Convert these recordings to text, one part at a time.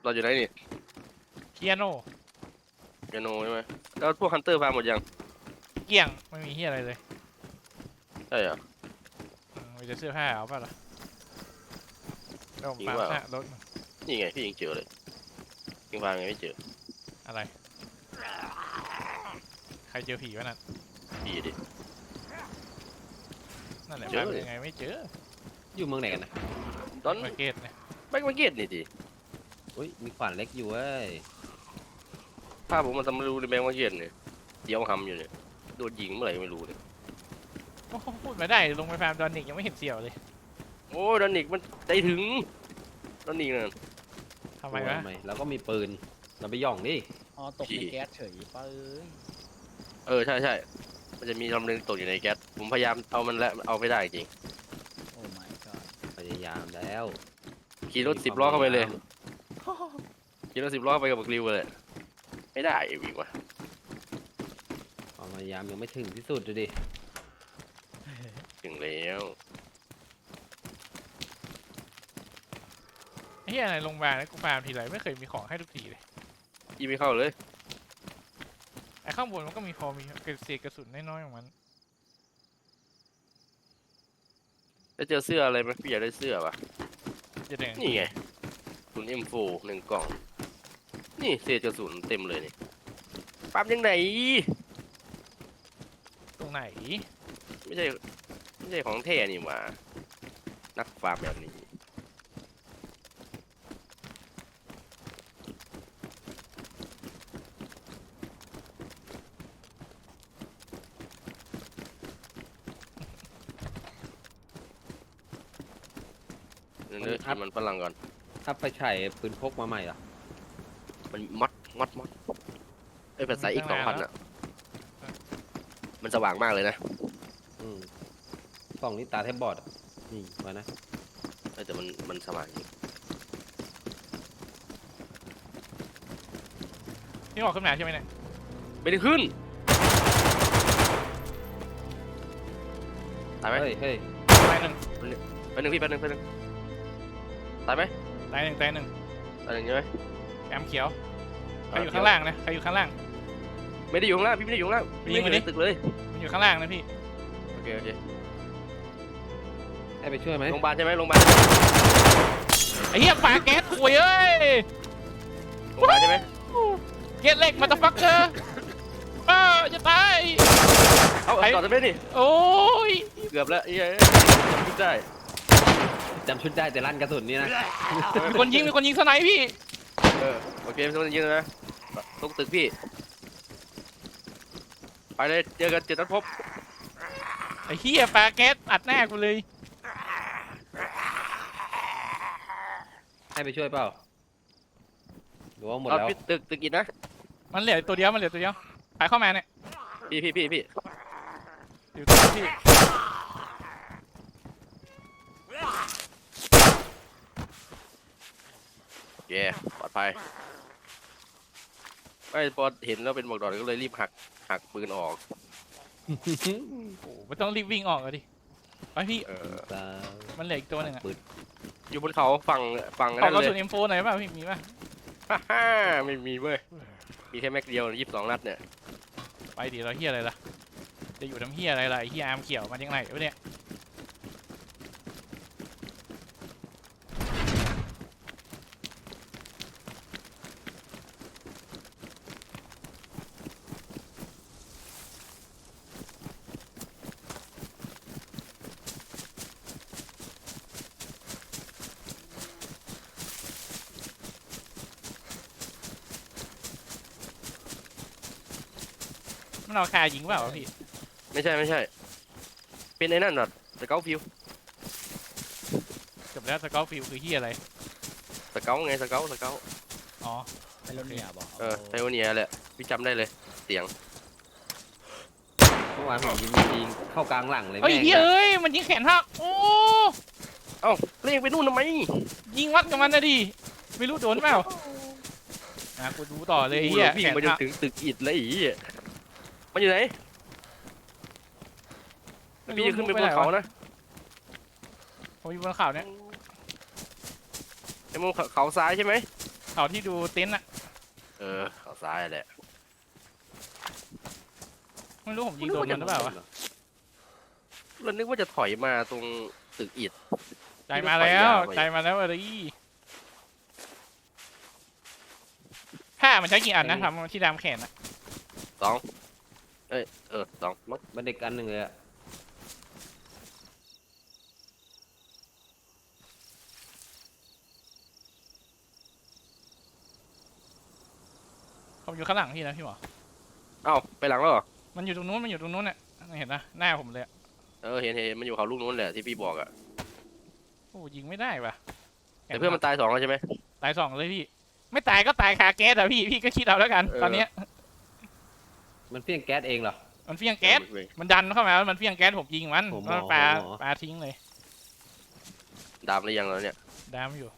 อนอยู่ไหนนี่เคียโนเปียโนใช่ไหมแล้วพวกฮันเตอร์ฟาร์มหมดยังเกี่ยงไม่มีเฮียอะไรเลยใช่เหรอมีแต่เสื้อผ้าเอาป่ะล่ะเดี๋ยวผมฟาร์มหน้ารถมานี่ไงพี่ยังเจอเลยยังฟาร์มไงไม่เจออะไรใครเจอผีวะนั่นพี่ดินั่นแหละเจอฟาร์มยังไงไม่เจออยู่เมืองไหนกันนะตอนมาร์เก็ตเนี่ยแบ็กมาร์เก็ตนี่ดิอุ้ยมีขวานเล็กอยู่เว้ยภาพผมมันทำไม่รู้ในแบ็กมาร์เก็ตเนี่ยเดี๋ยวหำอยู่เนี่ยโดนยิงเมื่อไหร่ไม่รู้เนี่ยโอ้โหพูดมาได้ลงไปฟาร์มดอนนิกยังไม่เห็นเสี่ยวเลยโอ้ดอนนิกมันใจถึงดอนนิกนั่นทำไมวะเราก็มีปืนเราไปย่องดิอ๋อตกในแก๊สเฉยเป้ยใช่ใช่มันจะมีลำนึงตกอยู่ในแก๊สผมพยายามเอามันแล้วเอาไม่ได้จริงโอ้ my god พยายามแล้วขี่รถ10 ล้อเข้าไปเลยขี่รถ10 ล้อไปกับบักริวเลยไม่ได้อีกว่ะความพยายามยังไม่ถึงที่สุดเลยดิถึงแล้วไอ้เฮียอะไรลงมาแล้วกูฟาร์มทีไรไม่เคยมีของให้ทุกทีเลยยิงไม่เข้าเลยไอ้ข้างบนมันก็มีพอมีเศษกระสุนน้อยๆของมันแล้วเจอเสื้ออะไรไหมพี่อยากได้เสื้อป่ะจะแดงนี่ไงกระสุน M4 1 กล่องนี่เศษกระสุนเต็มเลยนี่ปั๊มยังไงตรงไหนไม่ใช่ของแท้นี่หว่านักฟาร์มแบบนี้เนื้อกินมันฝรั่งก่อนถ้าไปใช้ปืนพกมาใหม่เหรอมันมัดไอ้ยภาษาอีก2,000อ่ะมันสว่างมากเลยนะอืมส่องนี่ตาแทบบอดอะนี่มานะแต่มันสว่างจริงนี่ออกขึ้นมาใช่ไหมเนี่ยไม่ได้ขึ้นตายไหมเฮ้ยเฮ้ยตายหนึ่งไปหนึ่งพี่ไปหนึ่งตายไหมตายหนึ่งตายหนึ่งตายหนึ่งใช่ไหมแอมเขียวใครอยู่ข้างล่างนะใครอยู่ข้างล่างไม่ได้อยู่ข้างล่างพี่ไม่ได้อยู่ข้างล่างยิงไม่มาได้ดิตึกเลยมันอยู่ข้างล่างนะพี่โอเคให้ไปช่วยไหมโรงพยาบาลใช่ไหมโรงพยาบาลไอ้เหี้ยฝาแก๊สคุยเอ้ยโรงพยาบาลใช่ไหมเก็ตเล็กมาตะฟักเกอร์จะตายเอาต่อจะไม่นี่โอ้ยเกือบแล้วไอ้เอ้ยคิดได้จำชุดได้แต่ลั่นกระสุนนี่นะมีคนยิงสไนป์พี่โอเคไม่ต้องยิงนะตรงตึกพี่ไปเลยเจอกันจุดนัดพบไอ้เหี้ยฝาแก๊สอัดหน้ากูเลยให้ไปช่วยเปล่าหรือว่าหมดเอาแล้วพี่ตึกอินนะมันเหลือตัวเดียวไปเข้ามาเนี่ยพี่อยู่ตัวพี่เย่ปลอดภัยไม่พอเห็นแล้วเป็นบอกดอนก็เลยรีบหักปืนออกโอ้ไม่ต้องรีบวิ่งออกเลยดิไปพี่ตามันเหลืออีกตัวหนึ่งอะอยู่บนเขาฝั่งขอนั่นกระเลสุนย M4 หน่อยป่ะพี่มีป่ะฮ่าไม่มีเว้ยมีแค่แม็กเดียว22 นัดเนี่ยไปดิเราเหี้ยอะไรล่ะจะอยู่ทำเหี้ยอะไรล่ะไอ้เหี้ยอาร์มเขียวมาจากไหนวะเนี่ย มันเอาคายิงเปล่าวะพี่ไม่ใช่เป็นไอ้นั่นหรอสเกลฟิวจบแล้วสกอตฟิลคือเหี้ยอะไรสเกลไงสเกลอ๋อไพโรเนียบอกไทโอเนียแหละพี่จำได้เลยเสียงเมื่อวานผมยิงเข้ากลางหลังเลยเฮ้ยแม่งเหี้ยเอ้ยมันยิงแขนหักโอ้เอ้าเรียกไปนู่นทำไมยิงวัดกับมันนะดิไม่รู้โดนเปล่ากูดูต่อเลยไอ้เหี้ยวิ่งแขนมาจนหักถึงตึกอิฐเลยไอ้เหี้ยมันอยู่ไหนพี่จะขึ้นไปบนเขานะผมอยู่บนเขาเนี่ยไอ้มุมเขาซ้ายใช่ไหมเขาที่ดูเต็นท์อะเขาซ้ายแหละไม่รู้ผมยิงโดนมันหรือเปล่าวะเรานึกว่าจะถอยมาตรงตึกอิฐใจมาแล้วใจมาแล้วอะไรผ้ามันใช้กี่อันนะทำที่ดามแขนอะ 2มั้งมันเด็กอันหนึ่งเลยอะผมอยู่ข้างหลังพี่นะพี่หมอเอ้าไปหลังแล้วเหรอมันอยู่ตรงนู้นมันอยู่ตรงนู้นเนี่ยเห็นนะหน้าผมเลยอะเห็นมันอยู่เขาลูกนู้นแหละที่พี่บอกอะโอ้ยิงไม่ได้ว่ะแต่เพื่อนมันตาย2แล้วใช่ไหมตาย2เลยพี่ ไม่ตายก็ตายคาแก๊สอะพี่ก็คิดเอาแล้วกัน ตอนเนี้ยมันเฟี้ยงแก๊สเองเหรอมันเฟี้ยงแก๊สมันดันเข้ามาแล้วมันเฟี้ยงแก๊สผมยิงมันผมแล้วหมอปาผมหมอปาทิ้งเลยดามหรือยังแล้วเนี่ยดามอยู่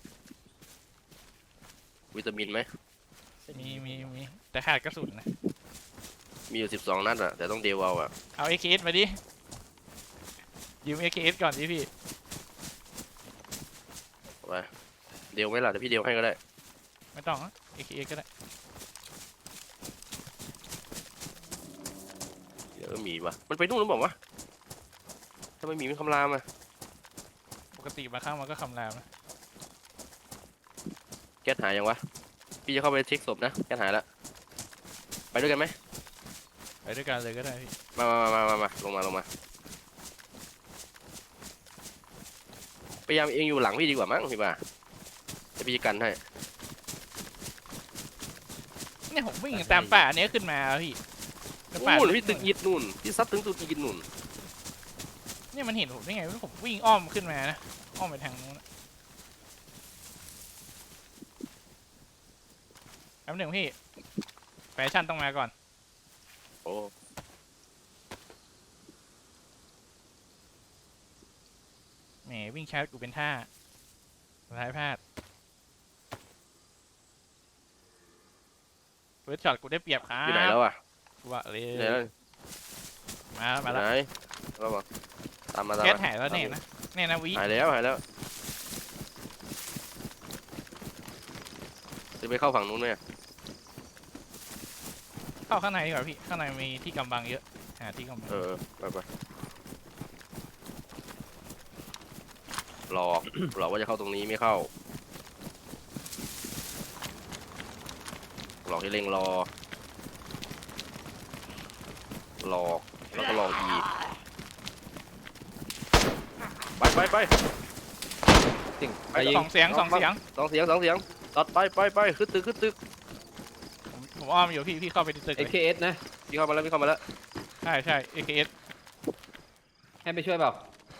วิตามินไหมมีแต่ขาดกระสุนนะมีอยู่12นัดอะแต่ต้องเดวเอาอะเอา AKS มาดิยืม AKS ก่อนดิพี่ไปเดวไหมล่ะแต่พี่เดวให้ก็ได้ไม่ต้องอะ AKS ก็ได้เดี๋ยวมีวะมันไปนู่นหรือเปล่าวะทำไมมีมันคำรามอะปกติมาข้างมันก็คำรามนะแก๊สหายยังวะพี่จะเข้าไปเช็คศพนะแก๊สหายแล้วไปด้วยกันไหมไปด้วยกันเลยก็ได้พี่มาลงมาพยายามเองอยู่หลังพี่ดีกว่ามั้งพี่บ่าจะพี่จะกันให้เนี่ยผมวิ่งตามป่าเนี้ยขึ้นมาพี่แล้วป่านู่นพี่ตึกอิฐนู่นพี่ซัดถึงตึกอิฐนู่นเนี่ยมันเห็นผมได้ไงว่าผมวิ่งอ้อมขึ้นมานะอ้อมไปทางนู้นนะแป๊บหนึ่งพี่แฟชั่นต้องมาก่อนโอ้แหมวิ่งช้ากูเป็นท่าสุดท้ายพลาดเฟิร์สช็อตกูได้เปรียบครับอยู่ไหนแล้วอะกูว่าเลยอยู่ไหนแล้วมาแล้วไหนเราบอกตามมาแก๊สหายแล้วเนี่ยนะเนี่ยนะวิหายแล้วจะไปเข้าฝั่งนู้นไหมอะเข้าข้างในดีกว่าพี่ข้างในมีที่กำบังเยอะหาที่กำบังไปหลอก หลอกว่าจะเข้าตรงนี้ไม่เข้าหลอกให้เล็งรอหลอกแล้วก็หลอกอีกไปสิ่งไปไปยิงสองเสียงสองเสียงตัดไปขึ้นตึกผมอ้อมอยู่พี่เข้าไปในตึกเลย AKS นะพี่เข้ามาแล้วใช่ AKS ให้ไปช่วยเปล่า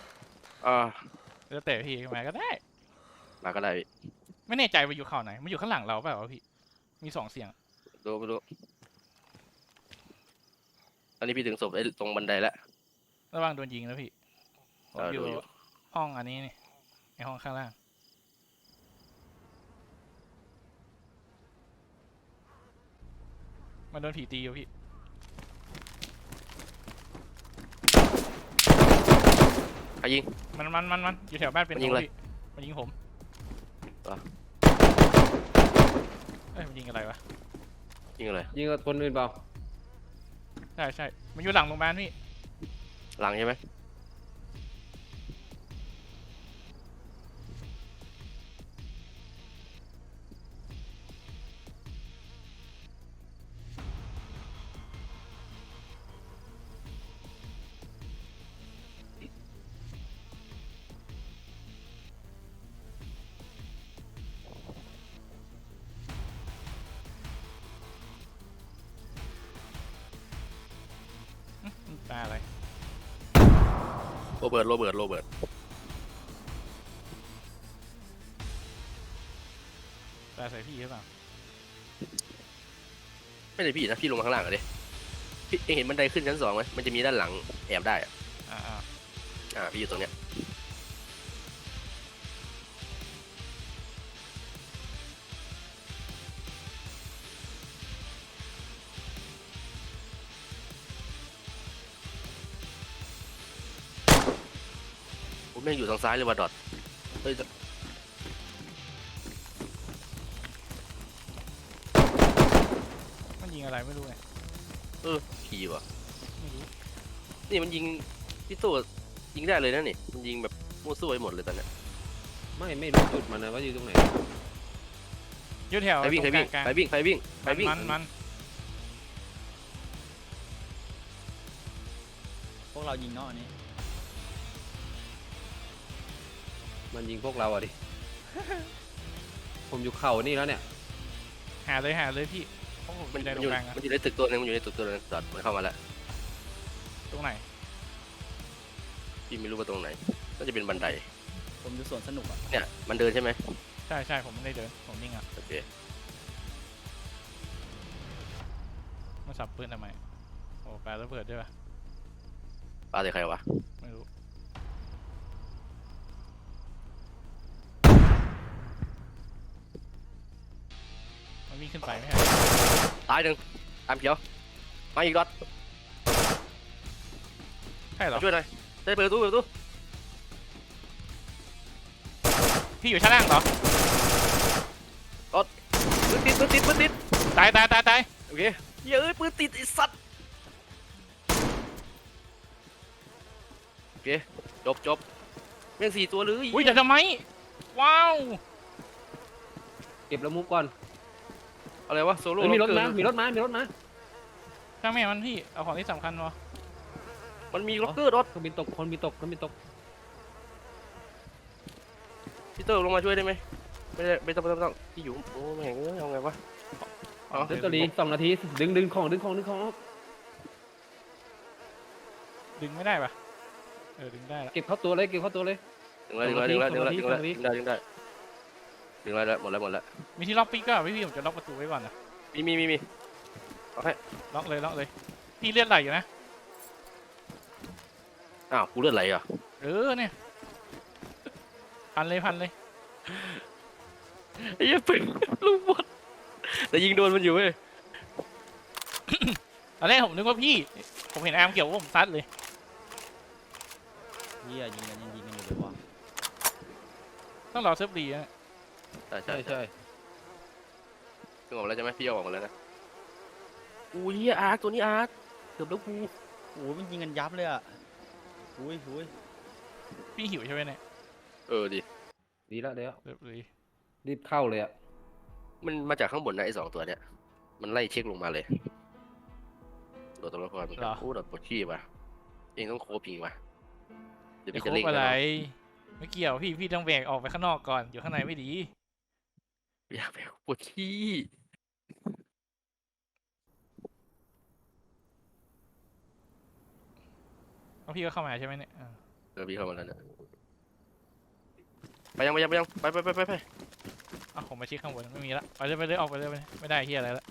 แล้วแต่พี่มาก็ได้มาก็ได้ไม่แน่ใจว่าอยู่เขาไหนมันอยู่ข้างหลังเราเปล่าวะพี่มี2เสียงดูไปดูอันนี้พี่ถึงศพไอ้ตรงบันไดแล้วระวังโดนยิงนะพี่ผมอยู่ดูอยู่ห้องอันนี้นี่ในห้องข้างล่างมันโดนผีตีอยู่พี่ใครยิงมันอยู่แถวบ้านเป็นมันยิงอะไรพี่มันยิงผมเหรอเอ้ยมันยิงอะไรวะยิงอะไรยิงกับคนอื่นเปล่าใช่มันอยู่หลังโรงพยาบาลพี่หลังใช่ไหมตาอะไรโรเบิร์ตตาใส่พี่หรือเปล่าไม่ใช่พี่นะพี่ลงมาข้างล่างอะดิพี่เองเห็นบันไดขึ้นชั้น2ไหมมันจะมีด้านหลังแอบได้อะ พี่อยู่ตรงเนี้ยผมแม่งอยู่ทางซ้ายเลยว่ะดอทเฮ้ยยิงอะไรไม่รู้ไงผีวะไม่รู้นี่มันยิงพี่ตู้ยิงได้เลยนะนี่มันยิงแบบมั่วซั่วไปหมดเลยตอนเนี้ยไม่รู้จุดมันนะว่าอยู่ตรงไหนยืดแถวใครวิ่งใครวิ่งกลางใครวิ่งใครวิ่งใครวิ่งมันพวกเรายิงเนาะอันนี้มันยิงพวกเราอะดิ ผมอยู่เข่านี่แล้วเนี่ยหาเลยพี่เพราะผมมันอยู่ในตรอยู่งกลางอะมันอยู่ในตึกตัวนึงมันอยู่ในตึกตัวนึงจอดมันเข้ามาแล้วตรงไหนพี่ไม่รู้ว่าตรงไหนน่าจะเป็นบันไดผมอยู่สวนสนุกอ่ะเนี่ยมันเดินใช่ไหมใช่ผมไม่ได้เดินผมนิ่งอ่ะโอเคมาสับปืนทำไมโอ้ปาระเบิดด้วยปะปาใส่ใครวะไม่รู้มันวิ่งขึ้นไปไม่ใช่ตายหนึ่งตามเขียวมาอีกรอดใช่เหรอมาช่วยหน่อยได้เปิดประตูพี่อยู่ชั้นล่างเหรอปืนติดตายโอเคเย้ยปืนติดไอ้สัตว์โอเคจบแม่ง4 ตัวเลยอุ้ยจะทำไมว้าวเก็บแล้วมุกก่อนอะไรวะโซโล่เอ้ยมีรถเกิมานมีรถมาช่างแม่มันพี่เอาของที่สำคัญวะมันมีล็อกเกอร์ดอทเครื่องบินตกเครื่องบินตกพี่เตอร์ลงมาช่วยได้ไหมไม่ต้องพี่อยู่โอ้แม่งเอ้ยเอาไงวะ อ๋อเดี๋ยวตัวดี2 นาทีดึงของออกดึงไม่ได้ปะดึงได้ละเก็บเข้าตัวเลยดึงแล้วหมดแล้วมีที่ล็อกปีกก็พี่ผมจะล็อกประตูไว้ก่อนนะมีล็อกเลยพี่เลือดไหลอยู่นะอ้าวกูเลือดไหลอ่ะเนี่ยพันเลยไอ้เหี้ยปืนลูกบอลแต่ยิงโดนมันอยู่เว้ยตอนแรกผมนึกว่าพี่ผมเห็นอาร์มเกี่ยวว่าผมซัดเลยเฮียยิงกันอยู่เลยว่ะต้องรอเซิร์ฟดีนะใช่ใช่ถึงออกมาแล้วใช่ไหมพี่เอาออกมาแล้วนะอู้ยเหี้ยอาร์คตัวนี้อาร์คเกือบแล้วกูโอ้ยมันยิงกันยับเลยอ่ะอุ้ยพี่หิวใช่ไหมเนี่ยดิดีแล้วเซิร์ฟดีรีบเข้าเลยอะมันมาจากข้างบนนะไอ้2 ตัวเนี้ยมันไล่เช็คลงมาเลยโดดตัวละครมันก็โอ้โดดปวดขี้ว่ะเองต้องโคบยิงว่ะเดี๋ยวจะพี่คจะรเล่งบอะไรนะไม่เกี่ยวพี่ต้องแบกออกไปข้างนอกก่อนอยู่ข้างในไม่ดีอยากไปปวดขี้แล้วพี่ก็เข้ามาใช่ไหมเนี่ยพี่เข้ามาแล้วเนี่ยไปยังไปผมมาชี้ข้างบนไม่มีละไปเลยออกไปเลยไม่ได้เฮียอะไรละ